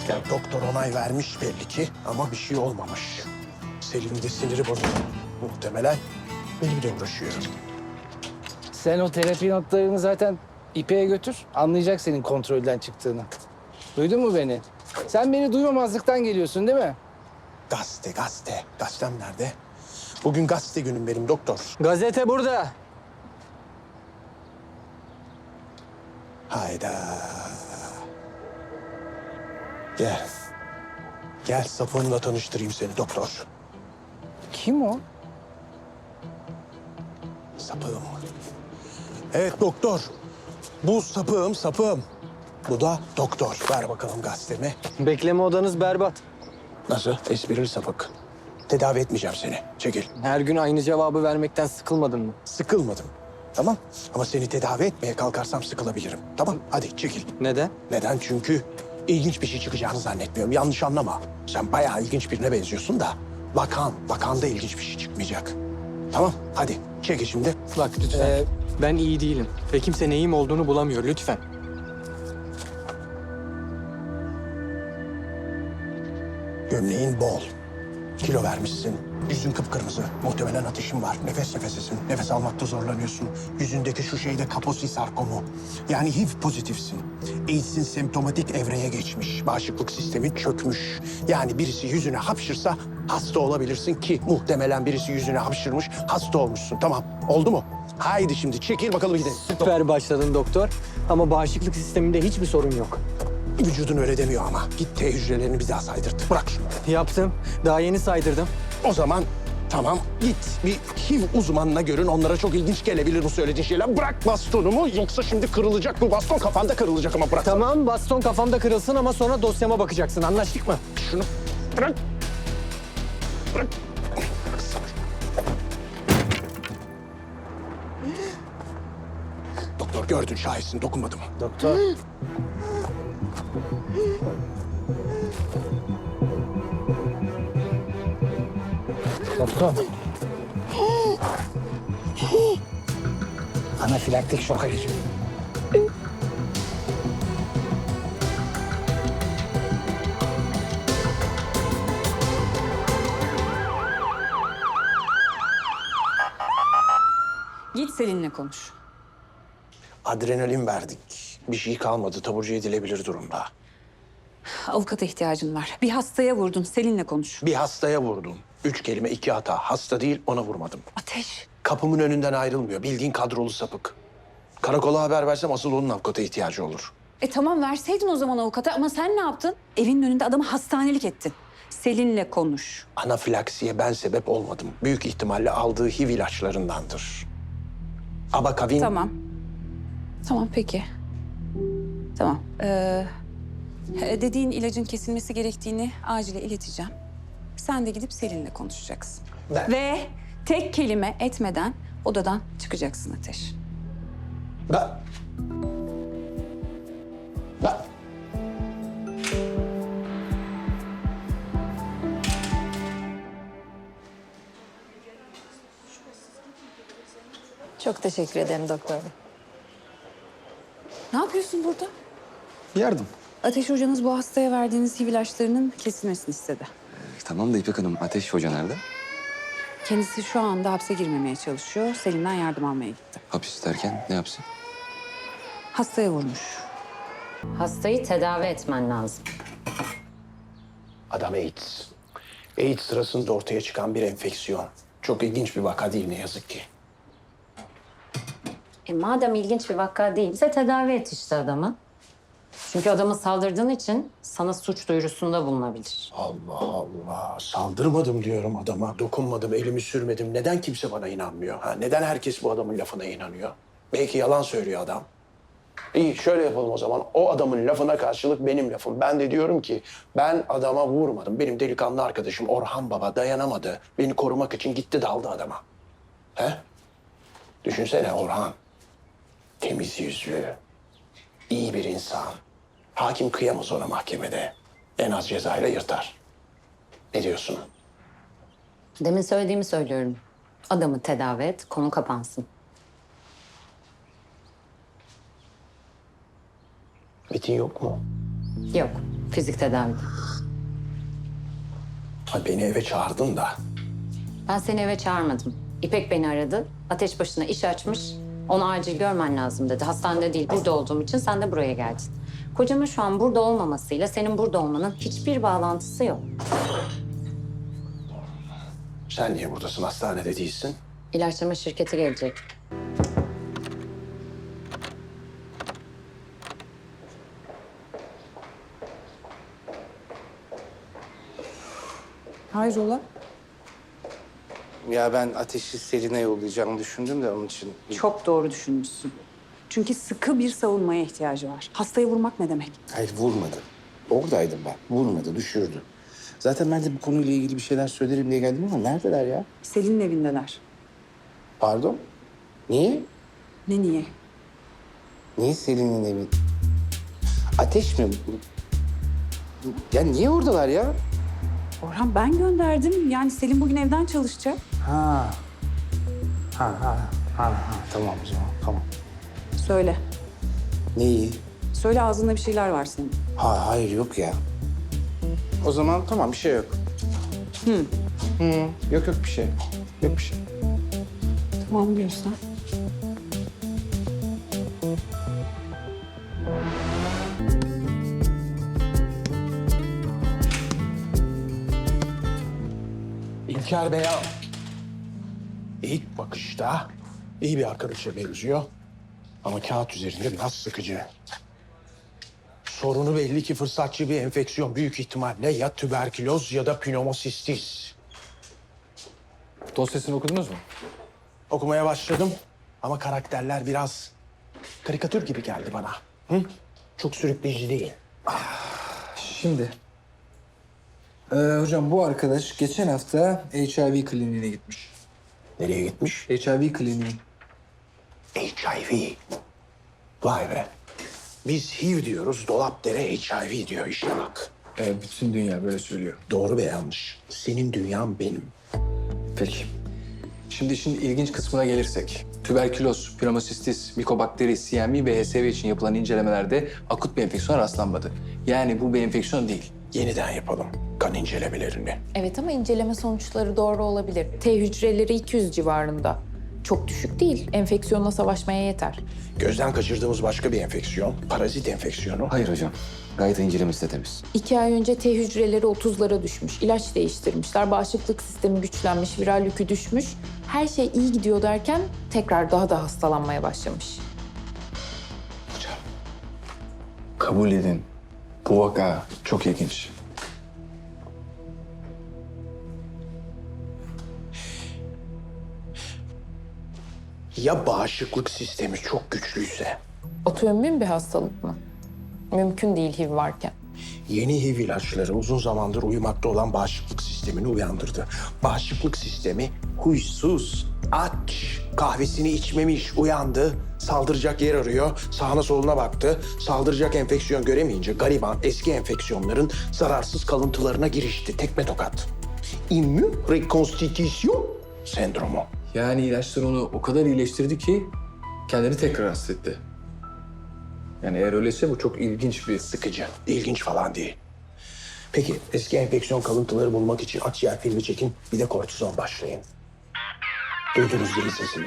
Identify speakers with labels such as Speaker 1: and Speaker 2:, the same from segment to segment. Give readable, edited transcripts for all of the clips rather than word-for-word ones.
Speaker 1: Doktor onay vermiş belli ki ama bir şey olmamış. Selim'in de siniri bozuldu. Muhtemelen benimle uğraşıyor.
Speaker 2: Sen o terapi notlarını zaten İpek'e götür. Anlayacak senin kontrolden çıktığını. Duydun mu beni? Sen beni duymamazlıktan geliyorsun değil mi?
Speaker 1: Gazete, gazete. Gazetem nerede? Bugün gazete günüm benim doktor.
Speaker 3: Gazete burada.
Speaker 1: Hayda. Gel. Gel sapığımla tanıştırayım seni doktor.
Speaker 2: Kim o?
Speaker 1: Sapığım. Evet doktor. Bu sapığım. Bu da doktor. Ver bakalım gazetemi.
Speaker 3: Bekleme odanız berbat.
Speaker 1: Nasıl? Esprili sapık. Tedavi etmeyeceğim seni. Çekil.
Speaker 3: Her gün aynı cevabı vermekten sıkılmadın mı?
Speaker 1: Sıkılmadım. Tamam. Ama seni tedavi etmeye kalkarsam sıkılabilirim. Tamam. Hadi çekil.
Speaker 3: Neden?
Speaker 1: Neden? Çünkü ilginç bir şey çıkacağını zannetmiyorum. Yanlış anlama. Sen bayağı ilginç birine benziyorsun da vakanda ilginç bir şey çıkmayacak. Tamam. Hadi çekil şimdi.
Speaker 3: Bak lütfen. Ben iyi değilim. Ve kimse neyim olduğunu bulamıyor lütfen.
Speaker 1: Gömleğin bol. Kilo vermişsin. Yüzün kıpkırmızı. Muhtemelen ateşin var. Nefes nefesesin. Nefes almakta zorlanıyorsun. yüzündeki şu şeyde Kaposi sarkomu. Yani HIV pozitifsin. AIDS'in semptomatik evreye geçmiş. Bağışıklık sistemin çökmüş. Yani birisi yüzüne hapşırsa hasta olabilirsin ki muhtemelen birisi yüzüne hapşırmış, hasta olmuşsun. Tamam. Oldu mu? Haydi şimdi çekil bakalım gidelim.
Speaker 3: Süper başladın doktor. Ama bağışıklık sisteminde hiçbir sorun yok.
Speaker 1: Vücudun öyle demiyor ama. Git T hücrelerini bir daha saydırt. Bırak şunu.
Speaker 3: Yaptım. Daha yeni saydırdım.
Speaker 1: O zaman tamam git bir HIV uzmanına görün. Onlara çok ilginç gelebilir bu söylediğin şeyler. Bırak bastonumu yoksa şimdi kırılacak bu baston, kafanda kırılacak ama bırak.
Speaker 3: Tamam baston kafamda kırılsın ama sonra dosyama bakacaksın. Anlaştık mı?
Speaker 1: Şunu bırak. Bırak. Doktor gördün, şahitsin, dokunmadım.
Speaker 2: Doktor. Doktor. Anafilaktik şoka geçiyor.
Speaker 4: Git Selin'le konuş.
Speaker 1: Adrenalin verdik. Bir şey kalmadı, taburcu edilebilir durumda.
Speaker 4: Avukata ihtiyacın var. Bir hastaya vurdun. Selin'le konuş.
Speaker 1: Bir hastaya vurdum. 3 kelime 2 hata. Hasta değil, ona vurmadım.
Speaker 4: Ateş.
Speaker 1: Kapımın önünden ayrılmıyor. Bildiğin kadrolu sapık. Karakola haber versem asıl onun avukata ihtiyacı olur.
Speaker 4: Tamam verseydin o zaman avukata ama sen ne yaptın? Evinin önünde adamı hastanelik ettin. Selin'le konuş.
Speaker 1: Anafilaksiye ben sebep olmadım. Büyük ihtimalle aldığı HIV ilaçlarındandır. Abakavin...
Speaker 4: Tamam. Tamam peki. Tamam. Dediğin ilacın kesilmesi gerektiğini acile ileteceğim. Sen de gidip Selin'le konuşacaksın.
Speaker 1: Ben-
Speaker 4: Ve tek kelime etmeden odadan çıkacaksın Ateş.
Speaker 1: Ben... Ben...
Speaker 5: Çok teşekkür ederim doktor bey.
Speaker 4: Ne yapıyorsun burada?
Speaker 6: Yardım.
Speaker 4: Ateş hocanız bu hastaya verdiğiniz HIV ilaçlarının kesilmesini istedi.
Speaker 6: Tamam da İpek Hanım, Ateş Hoca nerede?
Speaker 4: Kendisi şu anda hapse girmemeye çalışıyor. Selim'den yardım almaya gitti.
Speaker 6: Hapis derken ne yapsın?
Speaker 4: Hastaya vurmuş.
Speaker 5: Hastayı tedavi etmen lazım.
Speaker 1: Adam AIDS. AIDS sırasında ortaya çıkan bir enfeksiyon. Çok ilginç bir vaka değil ne yazık ki.
Speaker 5: Madem ilginç bir vaka değilse tedavi et işte adamı. Çünkü adama saldırdığın için sana suç duyurusunda bulunabilir.
Speaker 1: Allah Allah. Saldırmadım diyorum adama. Dokunmadım, elimi sürmedim. Neden kimse bana inanmıyor? Ha? Neden herkes bu adamın lafına inanıyor? Belki yalan söylüyor adam. İyi şöyle yapalım o zaman. O adamın lafına karşılık benim lafım. Ben de diyorum ki ben adama vurmadım. Benim delikanlı arkadaşım Orhan Baba dayanamadı. Beni korumak için gitti daldı adama. He? Düşünsene Orhan. Temiz yüzlü, iyi bir insan. Hakim kıyamaz ona mahkemede. En az cezayla yırtar. Ne diyorsun?
Speaker 5: Demin söylediğimi söylüyorum. Adamı tedavi et, konu kapansın.
Speaker 1: Metin yok mu?
Speaker 5: Yok, Fizik tedavide.
Speaker 1: Ha, beni eve çağırdın da.
Speaker 5: Ben seni eve çağırmadım. İpek beni aradı. Ateş başına iş açmış. Onu acil görmen lazım dedi. Hastanede değil, burada olduğum için sen de buraya geldin. Kocamın şu an burada olmamasıyla senin burada olmanın hiçbir bağlantısı yok.
Speaker 1: Sen niye buradasın, hastanede değilsin?
Speaker 5: İlaçlama şirketi gelecek.
Speaker 4: Hayrola?
Speaker 2: Ya ben Ateş'i Selin'e yollayacağımı düşündüm de onun için.
Speaker 4: Çok doğru düşünmüşsün. Çünkü sıkı bir savunmaya ihtiyacı var. Hastayı vurmak ne demek?
Speaker 7: Hayır vurmadı. Oradaydım ben. Vurmadı, düşürdü. Zaten ben de bu konuyla ilgili bir şeyler söylerim diye geldim ama neredeler ya?
Speaker 4: Selin'in evindeler.
Speaker 7: Pardon? Niye?
Speaker 4: Ne niye?
Speaker 7: Niye Selin'in evi? Ateş mi? Ya niye oradalar ya?
Speaker 4: Orhan ben gönderdim. Yani Selin bugün evden çalışacak.
Speaker 7: Ha. Tamam o zaman, tamam.
Speaker 4: Söyle.
Speaker 7: Neyi?
Speaker 4: Söyle ağzında bir şeyler var senin.
Speaker 7: Hayır yok ya. O zaman tamam bir şey yok. Yok bir şey. Yok bir şey.
Speaker 4: Tamam diyorsan.
Speaker 1: İlker Bey ilk bakışta iyi bir arkadaşa benziyor. Ama kağıt üzerinde biraz sıkıcı. Sorunu belli ki fırsatçı bir enfeksiyon. Büyük ihtimalle ya tüberküloz ya da pnömosistis.
Speaker 3: Dosyasını okudunuz mu?
Speaker 1: Okumaya başladım ama karakterler biraz karikatür gibi geldi bana. Hı? Çok sürükleyici değil.
Speaker 8: Şimdi, hocam bu arkadaş geçen hafta HIV kliniğine gitmiş.
Speaker 1: Nereye gitmiş?
Speaker 8: HIV kliniği.
Speaker 1: HIV. Vay be. Biz HIV diyoruz, Dolapdere HIV diyor işte bak.
Speaker 8: Bütün dünya böyle söylüyor.
Speaker 1: Doğru ve yanlış. Senin dünyan benim.
Speaker 8: Peki. Şimdi işin ilginç kısmına gelirsek. Tüberküloz, pnömosistis, mikobakteri, CMV ve HSV için yapılan incelemelerde akut bir enfeksiyon rastlanmadı. Yani bu bir enfeksiyon değil.
Speaker 1: Yeniden yapalım kan incelemelerini.
Speaker 9: Evet ama inceleme sonuçları doğru olabilir. T hücreleri 200 civarında. Çok düşük değil. Enfeksiyonla savaşmaya yeter.
Speaker 1: Gözden kaçırdığımız başka bir enfeksiyon, parazit enfeksiyonu.
Speaker 6: Hayır hocam. Gayet incelemesi de temiz.
Speaker 9: 2 ay önce T hücreleri 30'lara düşmüş. İlaç değiştirmişler. Bağışıklık sistemi güçlenmiş. Viral yükü düşmüş. Her şey iyi gidiyor derken tekrar daha da hastalanmaya başlamış.
Speaker 8: Hocam, kabul edin. Bu vaka çok ilginç.
Speaker 1: Ya bağışıklık sistemi çok güçlüyse?
Speaker 9: Otoimmün bir hastalık mı? Mümkün değil HIV varken.
Speaker 1: Yeni HIV ilaçları uzun zamandır uyumakta olan bağışıklık sistemini uyandırdı. Bağışıklık sistemi huysuz, aç, kahvesini içmemiş, uyandı, saldıracak yer arıyor, sağına soluna baktı, saldıracak enfeksiyon göremeyince gariban eski enfeksiyonların zararsız kalıntılarına girişti, tekme tokat. İmmün rekonstitüsyon sendromu.
Speaker 8: Yani ilaçlar onu o kadar iyileştirdi ki kendini tekrar hasta etti. Yani eğer öyleyse bu çok ilginç bir...
Speaker 1: Sıkıcı, ilginç falan değil. Peki eski enfeksiyon kalıntıları bulmak için akciğer filmi çekin, bir de kortizon başlayın. Duydunuz değil sesini.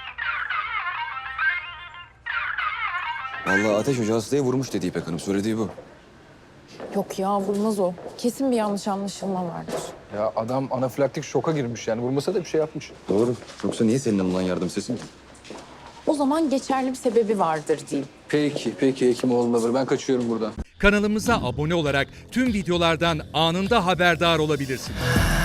Speaker 6: Vallahi Ateş Hoca hastayı vurmuş dedi İpek Hanım. Söylediği bu.
Speaker 9: Yok ya vurmaz o. Kesin bir yanlış anlaşılma vardır.
Speaker 8: Ya adam anafilaktik şoka girmiş yani. Vurmasa da bir şey yapmış.
Speaker 6: Doğru. Yoksa niye senin alınan yardım sesin ki?
Speaker 9: O zaman geçerli bir sebebi vardır diyeyim.
Speaker 8: Peki Hekimoğlu. Ben kaçıyorum buradan.
Speaker 10: Kanalımıza abone olarak tüm videolardan anında haberdar olabilirsiniz.